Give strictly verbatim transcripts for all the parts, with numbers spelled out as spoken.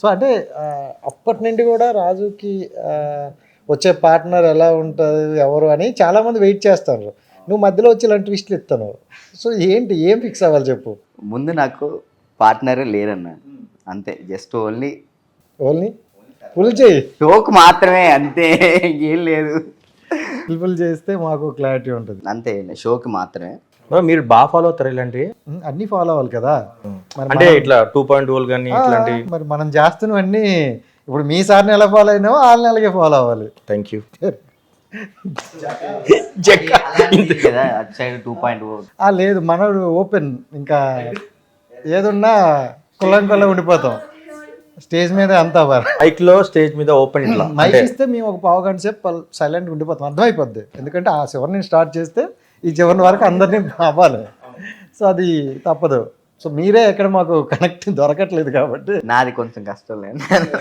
So అంటే అప్పటి నుండి కూడా రాజుకి వచ్చే పార్ట్నర్ ఎలా ఉంటుంది ఎవరు అని చాలామంది వెయిట్ చేస్తారు. నువ్వు మధ్యలో వచ్చి ఇలాంటి ట్విస్ట్లు ఇస్తాను. సో ఏంటి, ఏం ఫిక్స్ అవ్వాలి చెప్పు. ముందు నాకు పార్ట్నరే లేరన్న, అంతే. జస్ట్ ఓన్లీ ఓన్లీ ఫుల్ చేయి, షోక్ మాత్రమే, అంతే. ఏం లేదు. ఫుల్ చేస్తే మాకు క్లారిటీ ఉంటుంది, అంతే. షోకి మాత్రమే. మీరు బాగా ఫాలో అవుతారు ఇలాంటివి? అన్నీ ఫాలో అవ్వాలి కదా. అంటే ఇట్లా టూ పాయింట్ టూ కానీ ఇట్లాంటి మరి మనం చేస్తున్నవన్నీ ఇప్పుడు మీ సార్ని ఎలా ఫాలో అయినావో వాళ్ళని అలాగే ఫాలో అవ్వాలి. Thank you. కదా అటు సైడ్ టూ పాయింట్ లేదు, మనడు ఓపెన్, ఇంకా ఏదున్నా కుల్లం కుల్లం ఉండిపోతాం స్టేజ్ మీద. అంతా మైక్ లో స్టేజ్ మీద ఓపెన్ ఇట్లా మైక్ ఇస్తే మేము ఒక పావు గంట సేపు సైలెంట్ ఉండిపోతాం, అర్థమైపోద్ది. ఎందుకంటే ఆ చివరిని స్టార్ట్ చేస్తే ఈ చివరి వరకు అందరినీ అవ్వాలి. సో అది తప్పదు. సో మీరే ఎక్కడ మాకు కనెక్ట్ దొరకట్లేదు కాబట్టి నాది కొంచెం కష్టం లేదు.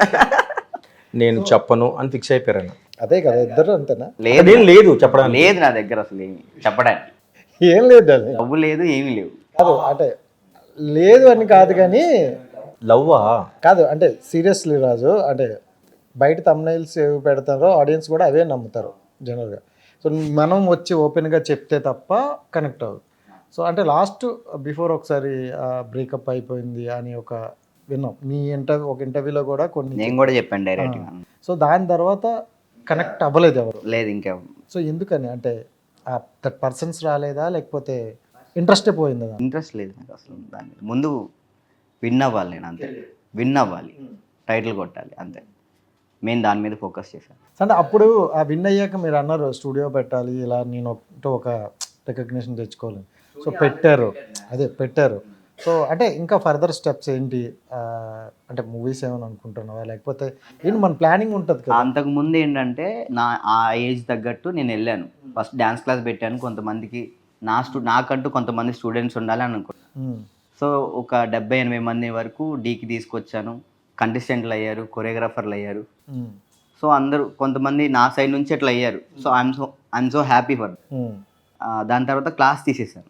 నేను చెప్పను అని ఫిక్స్ అయిపోయాను. అదే కదా, ఇద్దరు అంతేనా? లేదు లేదు చెప్పడానికి లేదు నా దగ్గర అసలు ఏమి చెప్పడానికి. ఏం లేదు అది, డబ్బు లేదు, ఏమీ లేవు. కాదు అంటే లేదు అని కాదు కానీ లవ్వా కాదు అంటే సీరియస్లీ రాజు, అంటే బయట తమ్నైల్స్ ఏవి పెడతారో ఆడియన్స్ కూడా అవే నమ్ముతారు జనరల్గా. సో మనం వచ్చి ఓపెన్గా చెప్తే తప్ప కనెక్ట్ అవ్వదు. సో అంటే లాస్ట్ బిఫోర్ ఒకసారి బ్రేకప్ అయిపోయింది అని ఒక విన్నాం మీ ఇంటర్వ్యూ, ఒక ఇంటర్వ్యూలో కూడా కొన్ని నేను కూడా చెప్పాను డైరెక్ట్గా. సో దాని తర్వాత కనెక్ట్ అవ్వలేదు ఎవరు? లేదు ఇంకా. సో ఎందుకని, అంటే దట్ పర్సన్స్ రాలేదా లేకపోతే ఇంట్రెస్టే పోయిందా? ఇంట్రెస్ట్ లేదు నాకు అసలు దాని మీద. ముందు విన్ అవ్వాలి నేను, అంతే. విన్ అవ్వాలి, టైటిల్ కొట్టాలి, అంతే. మెయిన్ దాని మీద ఫోకస్ చేశాను. అంటే అప్పుడు ఆ విన్ అయ్యాక మీరు అన్నారు స్టూడియో పెట్టాలి, ఇలా నేను ఒక రికగ్నిషన్ తెచ్చుకోవాలి. సో పెట్టారు, అదే పెట్టారు. సో అంటే ఇంకా ఫర్దర్ స్టెప్స్ ఏంటి, అంటే మూవీస్ ఏమైనా అనుకుంటున్నావా లేకపోతే ఏంటి? మన ప్లానింగ్ ఉంటుంది కదా. అంతకుముందు ఏంటంటే నా ఆ ఏజ్ తగ్గట్టు నేను వెళ్ళాను. ఫస్ట్ డ్యాన్స్ క్లాస్ పెట్టాను కొంతమందికి. నా స్టూ నాకంటూ కొంతమంది స్టూడెంట్స్ ఉండాలి అని అనుకున్నాను. సో ఒక డెబ్బై ఎనభై మంది వరకు డీకి తీసుకొచ్చాను. కంటెస్టెంట్లు అయ్యారు, కొరియోగ్రాఫర్లు అయ్యారు. సో అందరూ కొంతమంది నా సైడ్ నుంచి అట్లా అయ్యారు. So I'm so I'm so happy for. దాని తర్వాత క్లాస్ తీసేసాను.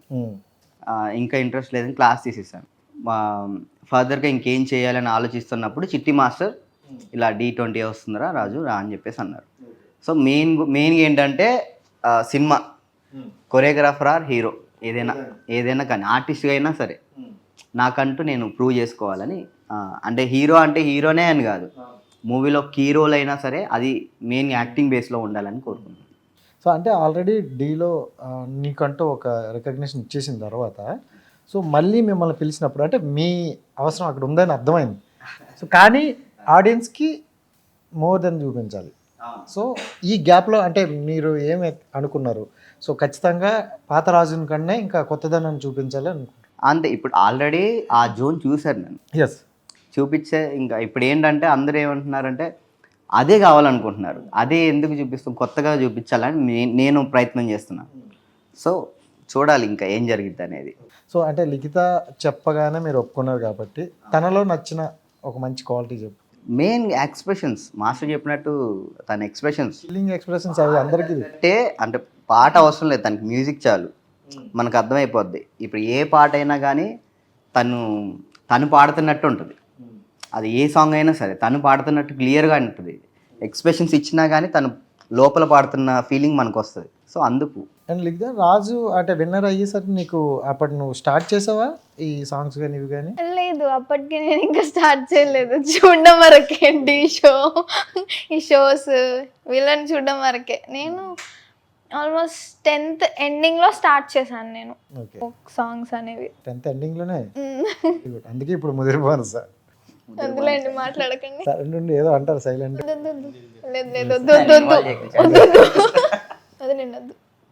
ఇంకా ఇంట్రెస్ట్ లేదని క్లాస్ తీసేసాను. ఫర్దర్గా ఇంకేం చేయాలని ఆలోచిస్తున్నప్పుడు చిట్టి మాస్టర్ ఇలా డీ ట్వంటీ వస్తుందిరా రాజు రా అని చెప్పేసి అన్నారు. సో మెయిన్ మెయిన్గా ఏంటంటే సినిమా కొరియోగ్రాఫర్ ఆర్ హీరో ఏదైనా ఏదైనా కానీ ఆర్టిస్ట్గా అయినా సరే నాకంటూ నేను ప్రూవ్ చేసుకోవాలని. అంటే హీరో అంటే హీరోనే అని కాదు, మూవీలో కీ రోల్ అయినా సరే అది మెయిన్ యాక్టింగ్ బేస్లో ఉండాలని కోరుకున్నాను. సో అంటే ఆల్రెడీ డీలో నీకంటూ ఒక రికగ్నిషన్ ఇచ్చేసిన తర్వాత సో మళ్ళీ మిమ్మల్ని పిలిచినప్పుడు అంటే మీ అవసరం అక్కడ ఉందని అర్థమైంది. సో కానీ ఆడియన్స్కి మోర్ దెన్ చూపించాలి. సో ఈ గ్యాప్లో అంటే మీరు ఏమి అనుకున్నారు? సో ఖచ్చితంగా పాత రాజుని కన్నా ఇంకా కొత్తదనం చూపించాలి అనుకుంటున్నాను. అంతే. ఇప్పుడు ఆల్రెడీ ఆ జోన్ చూశారు నేను. ఎస్, చూపించే ఇంకా ఇప్పుడు ఏంటంటే అందరూ ఏమంటున్నారంటే అదే కావాలనుకుంటున్నారు. అదే ఎందుకు చూపిస్తాం, కొత్తగా చూపించాలని నేను ప్రయత్నం చేస్తున్నాను. సో చూడాలి ఇంకా ఏం జరిగింది అనేది. సో అంటే లిఖిత చెప్పగానే మీరు ఒప్పుకున్నారు కాబట్టి తనలో నచ్చిన ఒక మంచి క్వాలిటీ చెప్పు. మెయిన్ ఎక్స్ప్రెషన్స్, మాస్టర్ చెప్పినట్టు తన ఎక్స్ప్రెషన్స్, ఫీలింగ్ ఎక్స్ప్రెషన్స్ అవి అందరికీ అంటే అంటే పాట అవసరం లేదు, తనకి మ్యూజిక్ చాలు, మనకు అర్థమైపోద్ది. ఇప్పుడు ఏ పాట అయినా కానీ తను తను పాడుతున్నట్టు ఉంటుంది. అది ఏ సాంగ్ అయినా సరే తను పాడుతున్నట్టు క్లియర్గా ఉంటుంది. ఎక్స్ప్రెషన్స్ ఇచ్చినా కానీ తను లోపల పాడుతున్న ఫీలింగ్ మనకు వస్తుంది. సో అందుకు. అండ్ లిఖిత రాజు అంటే విన్నర్ అయ్యేసరికి నీకు అప్పటి నువ్వు స్టార్ట్ చేసావా ఈ సాంగ్స్ కానీ ఇవి కానీ? లేదు, అప్పటికి నేను ఇంకా స్టార్ట్ చేయలేదు. చూడడం వరకే డి షో, ఈ షోస్ వీళ్ళని చూడడం వరకే. నేను ఆల్మోస్ట్ టెన్త్ ఎండింగ్లో స్టార్ట్ చేశాను నేను సాంగ్స్ అనేవి. టెన్త్ ఎండింగ్లోనే, అందుకే ఇప్పుడు ముదిరిపోను సార్. అందులేండి మాట్లాడకండి. సరే ఏదో అంటారు సైలెంట్. లేదు లేదు వద్దు వద్దు వద్దు వద్దు వద్దు వద్దు